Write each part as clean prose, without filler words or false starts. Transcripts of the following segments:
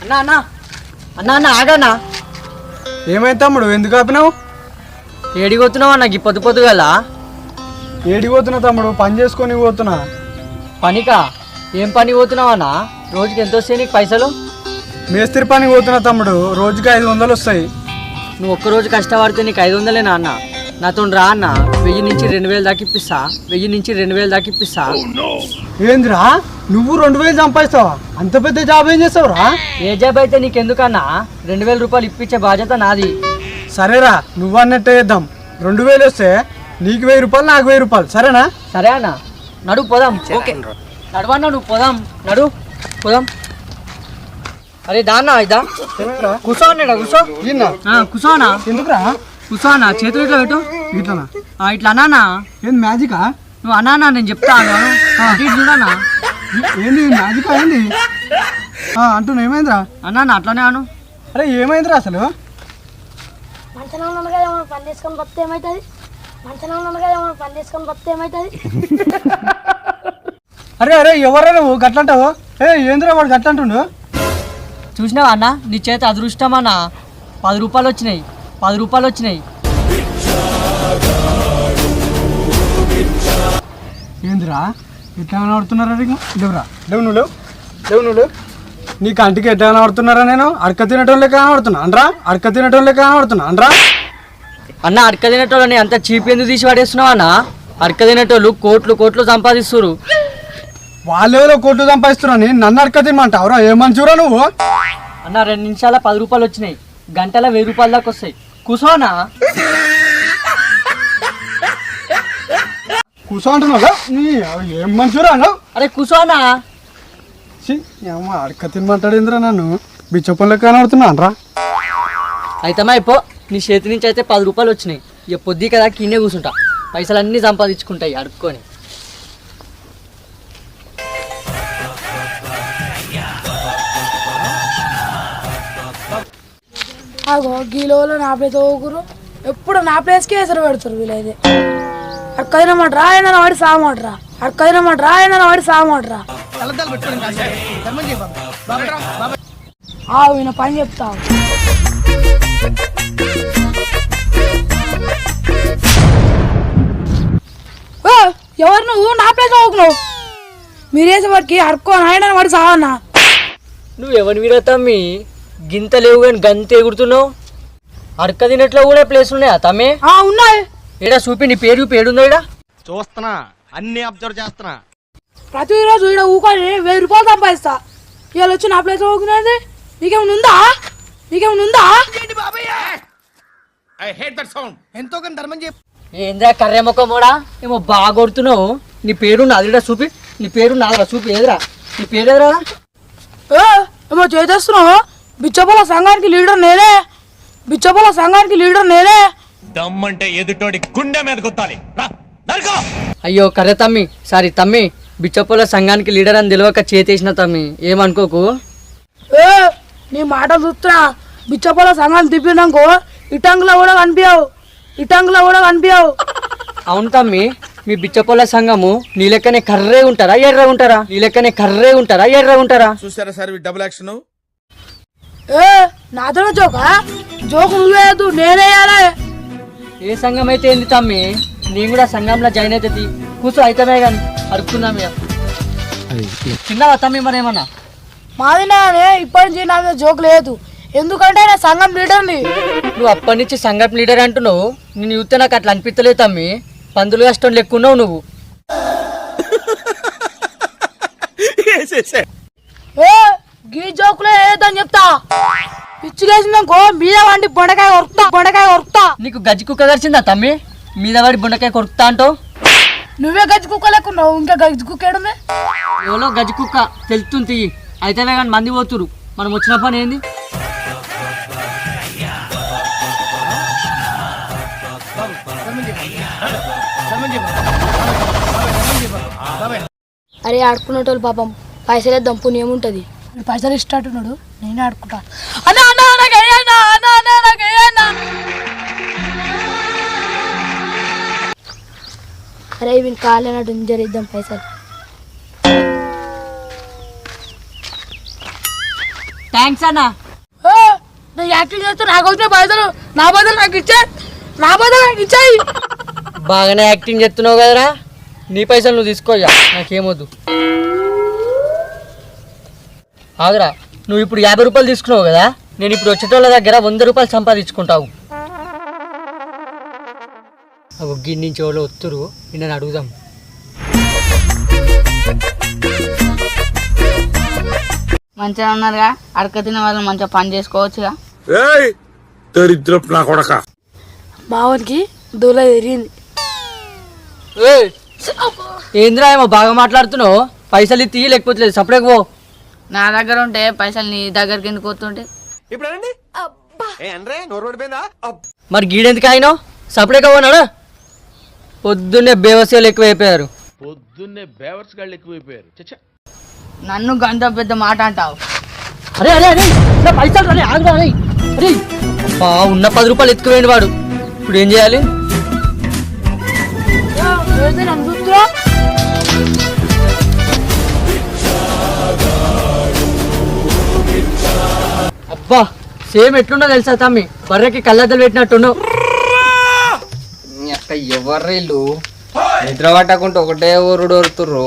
అన్నా అన్నా అన్నా అన్న ఆగన్నా. ఏమైంది తమ్ముడు, ఎందుకు ఆపినావు? ఏడికి పోతున్నావు అన్న? పొద్దు పొద్దుగల ఏడికి పోతున్నా తమ్ముడు? పని చేసుకొని పోతున్నా. పనికా? ఏం పని పోతున్నావు అన్న? రోజుకి ఎంత వస్తాయి నీకు పైసలు? మేస్త్రి పని పోతున్నా తమ్ముడు, రోజుకి 500 వస్తాయి. నువ్వు ఒక్కరోజు కష్టపడితే నీకు 500లేనా అన్న? నాతో రా అన్న, 1000 నుంచి 2000 దాకా ఇప్పిస్తా. 1000 నుంచి 2000 దాకా ఇప్పిస్తా. ఏందిరా నువ్వు 2000 సంపాదిస్తావా? అంత పెద్ద జాబ్ ఏం చేస్తావురా? ఏ జాబ్ అయితే నీకెందుకన్నా? 2000 రూపాయలు ఇప్పించే బాధ్యత నాది. సరేరా, నువ్వు అన్నట్టే చేద్దాం. 2000 వస్తే నీకు 1000 రూపాయలు, నాకు 1000 రూపాయలు. సరేనా? సరే అన్న, నడు పోదాం. ఓకే నడవన్నా, నువ్వు పోదాం, నడు పోదాం. అరే దాన్నా ఇదా కూర్చో అన్నాడా? కూర్చో కూర్చోనా? ఎందుకురా? కూర్చోనా? చేతులు ఇట్లా పెట్టు. ఇట్లనా? ఇట్లా అన్నానా? ఏంది మ్యాజికా? నువ్వు అన్నానా? నేను చెప్తాను చూడనా? ఏంది మ్యాజికా? ఏంది అంటున్నా? ఏమైందిరా? అన్నా అట్లానే అను. అరే ఏమైందిరా అసలు? మంచంలో ఉన్నాను కదా, ఏమైనా పని చేసుకొని బతితే ఏమవుతుంది? మంచంలో ఉన్నాను కదా, ఏమైనా పని చేసుకొని బతితే ఏమవుతుంది? అరే అరే ఎవరా నువ్వు గట్లంటావు? ఏందిరా వాడు గట్లంటుండు? చూసినావా అన్న, నీ చేత అదృష్టం అన్న. 10 రూపాయలు వచ్చినాయి, 10 రూపాయలు వచ్చినాయి. ఏందిరా ఎట్లా కనబడుతున్నారా? లేవురా, లేవు నువ్వు, లేవు. నీ కంటికి ఎట్లా కనబడుతున్నారా? నేను అడక తినటం లెక్క కనబడుతున్నా అనరా? అడక తినటం లెక్క కనబడుతున్నా అనరా? అన్న అడక తినేటోళ్ళని అంత చీప్ ఎందుకు తీసి పడేస్తున్నావు అన్న? అడక తినేటోళ్ళు కోట్లు కోట్లు సంపాదిస్తున్నారు. వాళ్ళెవరో కోట్లు సంపాదిస్తున్నా, నన్ను అడక తినమంటావురా? ఏ మంచిరా నువ్వు? అన్న 2 నిమిషాల 10 రూపాయలు వచ్చినాయి, గంటల 1000 రూపాయల దాకా వస్తాయి. కూర్చోనా? కూర్చో అంటున్నావు? ఏం మంచిరా? అరే కూర్చోనా? అడక తినమంటాడు ఏంద్రా? నన్ను బిచ్చప్ప లెక్క కనబడుతున్నా అనరా? అయితే అయిపో, నీ చేతి నుంచి అయితే 10 రూపాయలు వచ్చినాయి. ఇక పొద్దు కదా కిన్నే కూర్చుంటా, పైసలు అన్నీ సంపాదించుకుంటాయి అడుక్కొని. అగో గీలోలో నా ప్లేస్ ఊగురు, ఎప్పుడు నా ప్లేస్కే ఎసరు పెడతారు వీళ్ళైతే. అక్కదినమాటరా ఆయన వాడి సాగమాటరా, అక్కదినమాటరా ఆయన వాడి సాగమాటరా. ఈయన పని చెప్తావు. ఎవరు నువ్వు? నా ప్లేస్ ఊగున్నావు. మీరేసే వాడికి అడుక్కో ఆయన వాడి సాగన్నా. నువ్వు ఎవరి మీద తమ్మి గింత లేవు కానీ గంత ఎగురుతున్నావు? అడక తినట్లో కూడా ప్లేస్ ఉన్నాయా తమ్మి? ఉన్నాయి. ఏడా చూపి, నీ పేరు పేడుందో ఇడా? చూస్తున్నా, అన్ని అబ్జర్వ్ చేస్తున్నా. ప్రతిరోజు ఇక్కడ ఊకొని 1000 రూపాయలు సంపాదిస్తా. ఇవాళ వచ్చి నా ప్లేస్ ఊకునేది నీకేమైనా ఉందా? ఎంతో కానీ ధర్మం చెప్పు. ఏంద్రా కర్రె మొక్క మోడా, ఏమో బాగా కొడుతున్నావు. నీ పేరు నాదిడా చూపి, నీ పేరు నాదరా చూపి. ఏదిరా నీ పేరు? ఎదురా ఏమో చేసేస్తున్నావు. బిచ్చపల సంఘానికి లీడర్ నేనే. దమ్మంటే ఎదుటోడి గుండె మీద గుత్తాలి. అయ్యో కర్రె తమ్మి, సారీ తమ్మి, బిచ్చపోల సంఘానికి లీడర్ అని తెలియక చేతేసిన తమ్మి, ఏమనుకోకు. నీ మాట చూస్తున్నా. బిచ్చపల సంఘాన్ని తిప్పినాకో ఇటంగులో కూడా కనిపించావు. అవును తమ్మి, మీ బిచ్చపోల సంఘము నీ లెక్కనే కర్రే ఉంటారా ఎర్ర ఉంటారా? చూసారా సార్ డబుల్ యాక్షన్? నాతో జోకు నువ్వేయద్దు, నేనేయాలి. ఏ సంఘం అయితే ఏంది తమ్మి, నేను కూడా సంఘంలో జాయిన్ అయితే కూర్చో. అయితమే కానీ అడుక్కుందాం. చిన్నవా తమ్మి మరేమన్నా? మాది నానే ఇప్పటి నుంచి నా మీద జోకు లేదు, ఎందుకంటే నా సంఘం లీడర్ని. నువ్వు అప్పటి నుంచి సంఘం లీడర్ అంటున్నావు. నేను చూస్తే నాకు అట్లా అనిపించలేదు తమ్మి, పందులు కష్టం లెక్కున్నావు నువ్వు. గీ జోకులే ఏదని చెప్తా. పిచ్చిలేసిందనుకో మీద వండి బొండకాయ కొరుకుతా. నీకు గజ్జి కుక్క గడిచిందా తమ్మి? మీద వాడి బొండకాయ కొరుకుతా అంటావు. నువ్వే గజ్జి కుక్క లేకున్నావు, ఇంకా గజ్జి కుక్క ఏడుంది? ఎవరో గజ్జి కుక్క తెలుస్తుంది. అయితేనే కానీ మంది పోతురు, మనం వచ్చిన పని ఏంది? అరే ఆడుకునేటోళ్ళు పాపం పైసలు వేద్దాం, పుణ్యం ఉంటుంది. పైసలు ఇష్టట్టున్నాడు, నేనే ఆడుకుంటా. అరే ఇవి కాలేనట్టు జరిద్దాం పైసలు. థ్యాంక్స్ అన్న. నేను యాక్టింగ్ చేస్తే నాకు వచ్చిన పైసలు నా బదులు నాకు ఇచ్చాయి. బాగానే యాక్టింగ్ చేస్తున్నావు కదరా, నీ పైసలు నువ్వు తీసుకోయా, నాకేమొద్దు. ఆగరా, నువ్వు ఇప్పుడు 50 రూపాయలు తీసుకున్నావు కదా, నేను ఇప్పుడు వచ్చేటోళ్ళ దగ్గర 100 రూపాయలు సంపాదించుకుంటావు. గిన్నె నుంచి ఎవరో వస్తురు, నేను అడుగుదాం. మంచిగా ఉన్నారుగా, అడక తిన్న వాళ్ళు మంచిగా పని చేసుకోవచ్చుగా. దరిద్రపు నా కొడక. బావనికి దూల తిరిగింది. ఏంద్రా ఏమో బాగా మాట్లాడుతున్నావు, పైసలు తీయ లేకపోతే లేదు, సపరేట్ పో. నా దగ్గర ఉంటే పైసలు నీ దగ్గరికి ఎందుకు వస్తుంటే? మరి గీడెందుకు అయినావు, సపరేట్గా పోనాడు. పొద్దున్నే బేవసీలు ఎక్కువైపోయారు. నన్ను గంట పెద్ద మాట అంటావు. అరే అరే అరే నా పైసలు రాలే, ఆగురా అరే. అరే అబ్బా, ఉన్న 10 రూపాయలు ఎత్తుకుపోయింది వాడు, ఇప్పుడు ఏం చేయాలి? నన్ను చూస్తురా. అబ్బా సేమ్ ఎట్లున్నా తెలుసా తమ్మి, బర్రెకి కళ్ళద్దలు పెట్టినట్టున్నావు. ఎవర్రీళ్ళు నిద్ర పట్టకుంటే ఒకటే ఊరుడు వరుతుర్రు.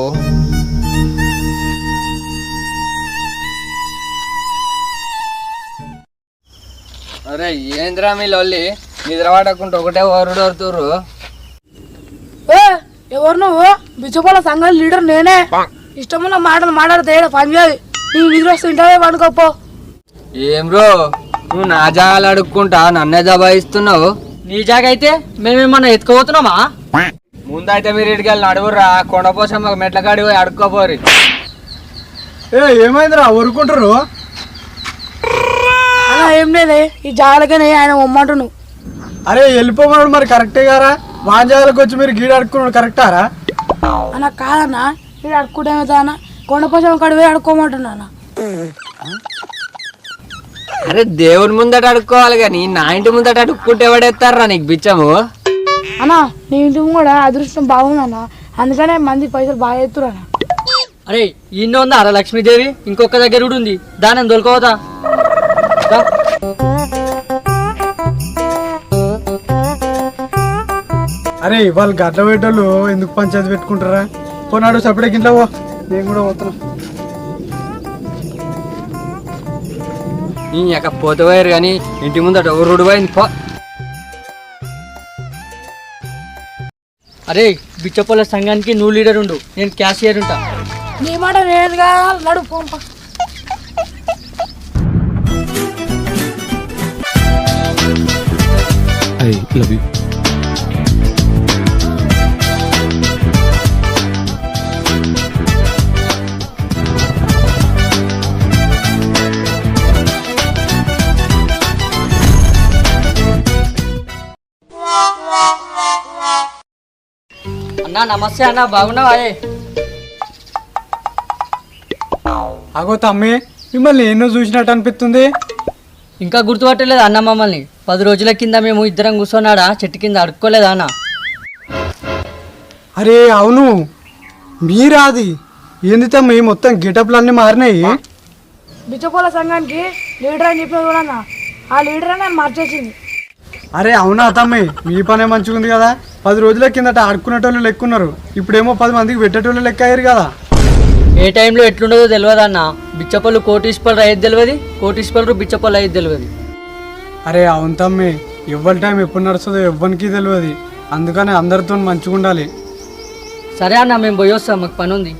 అరే ఏంద్రా మీ లొల్లి, నిద్ర పట్టకుంటే ఒకటే ఊరుడు వరుతుర్రు. ఎవరు నువ్వు? బిచ్చపోల సంఘం లీడర్ నేనే. ఇష్టమున్న మాటలు మాట్లాడితే పని చేయదు. నీకు నిద్ర వస్తే ఇంటనే పండుకోపో. ఏం బ్రో, నువ్వు నా జాగాలు అడుక్కుంటా నన్నే దబాయిస్తున్నావు. నీ జాగ అయితే మేమేమన్నా ఎత్తుకోబోతున్నామా? ముందైతే మీరు ఇటుకి వెళ్ళి నడువుర్రా, కొండపోసం మెట్ల కాడి పోయి అడుక్కోపోరి. ఏమైందిరా ఊరుకుంటారు? అలా ఏం లేదే, ఈ జాలకనే ఆయన ఉమ్మంటున్నావు. అరే వెళ్ళిపోమన్నాడు మరి కరెక్టే గారా, వాంజాలకు వచ్చి మీరు గీడ అడుక్కున్నాడు కరెక్టారా? అన్న కాదన్నా, ఇక్కడ అడుక్కుంటేమవుతా అన్న, కొండపోసం కాడి పోయి అడుక్కోమంటున్నా. అరే దేవుని ముందట అడుక్కోవాలి కానీ నా ఇంటి ముందట అడుక్కుంటే ఎవడెత్తారా నీకు బిచ్చము? అన్నా నీ ఇంటి కూడా అదృష్టం బాగుందన్న, అందుకనే మంది పైసలు బాగా ఎత్తురన్న. అరే ఈయన ఉందా అరా లక్ష్మీదేవి, ఇంకొక దగ్గర కూడా ఉంది, దాని దొరకవతా. అరే వాళ్ళు గడ్డ పెట్టోళ్ళు ఎందుకు పంచాయతీ పెట్టుకుంటారా? పోనాడు సపరేట్ ఇంట్లో పో, నేను కూడా పోతున్నా. నీ యొక్క పోతపోయారు కానీ ఇంటి ముందట ఊరుడు పోయింది పో. అరే బిచ్చపోల సంఘానికి నువ్వు లీడర్ ఉండు, నేను క్యాషియర్ ఉంటా. నీ మాట నేను కాదు, నడు పంప. అన్నా నమస్తే అన్న, బాగున్నావా? అగో తమ్మి, మిమ్మల్ని ఎన్నో చూసినట్టు అనిపిస్తుంది. ఇంకా గుర్తుపట్టలేదు అన్న మమ్మల్ని? 10 రోజుల కింద మేము ఇద్దరం కూర్చోన్నాడా చెట్టు కింద అడుక్కోలేదా అన్న? అరే అవును, మీరాది ఏంది తమ్మి, మొత్తం గెటప్లు అన్నీ మారినాయి. బిచ్చపోల సంఘానికి లీడర్ అని చెప్పిన కూడా ఆ లీడర్ అని నేను మార్చేసింది. అరే అవునా తమ్మి, మీ పనే మంచిగా ఉంది కదా. 10 రోజుల కిందట ఆడుకునేటోళ్ళు లెక్కున్నారు, ఇప్పుడేమో 10 మందికి పెట్టేటోళ్ళు లెక్క అయ్యారు కదా. ఏ టైంలో ఎట్లుండదో తెలియదు అన్న. బిచ్చపళ్ళు కోటీశ్వరులు అయ్యేది తెలియదు, కోటీశ్వరులు బిచ్చపళ్ళు అయ్యేది తెలియదు. అరే అవును తమ్మి, ఎవ్వరి టైం ఎప్పుడు నడుస్తుందో ఎవ్వరికి తెలియదు, అందుకని అందరితో మంచిగా ఉండాలి. సరే అన్న, మేము పోయి వస్తాం, మాకు పని ఉంది.